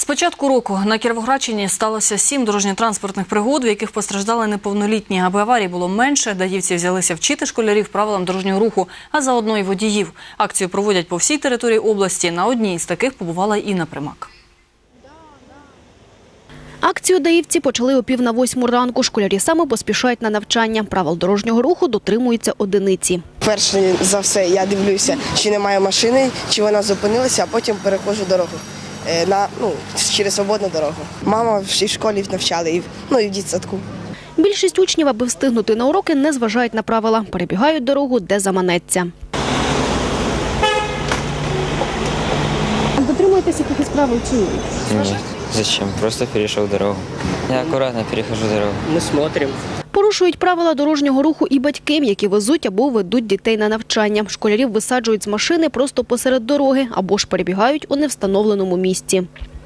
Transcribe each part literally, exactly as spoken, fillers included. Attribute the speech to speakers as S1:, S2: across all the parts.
S1: З початку року на Кіровоградщині сталося сім дорожньо-транспортних пригод, в яких постраждали неповнолітні. Аби аварій було менше, даївці взялися вчити школярів правилам дорожнього руху, а заодно й водіїв. Акцію проводять по всій території області. На одній з таких побувала Інна Примак.
S2: Акцію даївці почали о пів на восьму ранку. Школярі саме поспішають на навчання. Правил дорожнього руху дотримуються одиниці.
S3: Перше за все я дивлюся, чи немає машини, чи вона зупинилася, а потім переходжу дорогу на, ну, через свободну дорогу. Мама в школі навчала, і, ну, і в дитсадку.
S2: Більшість учнів, аби встигнути на уроки, не зважають на правила. Перебігають дорогу, де заманеться. Дотримуєтесь якихось правил чи ні?
S4: Нет, зачем? Просто перешел дорогу. Я аккуратно перехожу дорогу.
S5: Мы смотрим.
S2: Порушують правила дорожнього руху і батьки, які везуть або ведуть дітей на навчання. Школярів висаджують з машини просто посеред дороги або ж перебігають у невстановленому місці.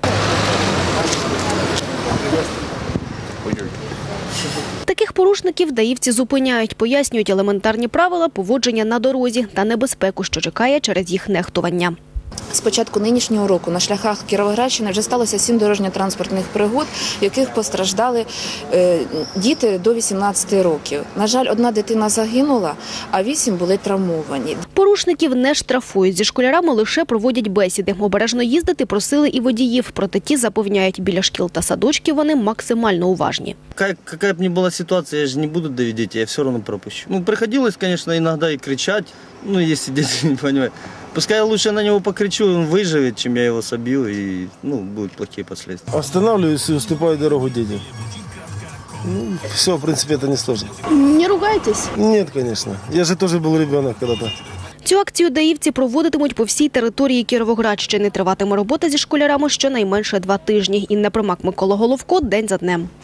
S2: Таких порушників даївці зупиняють, пояснюють елементарні правила поводження на дорозі та небезпеку, що чекає через їх нехтування.
S6: З початку нинішнього року на шляхах Кіровоградщини вже сталося сім дорожньо-транспортних пригод, в яких постраждали е, діти до вісімнадцяти років. На жаль, одна дитина загинула, а вісім були травмовані.
S2: Порушників не штрафують. Зі школярами лише проводять бесіди. Обережно їздити просили і водіїв. Проте ті запевняють, біля шкіл та садочків вони максимально уважні.
S7: Как, какая бы ни была ситуация, я же не буду давить детей, я все равно пропущу. Ну, приходилось, конечно, иногда и кричать, ну, если дети не понимают. Пускай я лучше на него покричу, он выживет, чем я его собью, и, ну, будут плохие последствия.
S8: Останавливаюсь и уступаю дорогу детям. Ну, все, в принципе, это не сложно.
S2: Не ругайтесь?
S8: Нет, конечно. Я же тоже был ребенок когда-то.
S2: Цю акцію даївці проводитимуть по всій території Кіровоградщини. Триватиме робота зі школярами щонайменше два тижні. Інна Примак, Микола Головко. День за днем.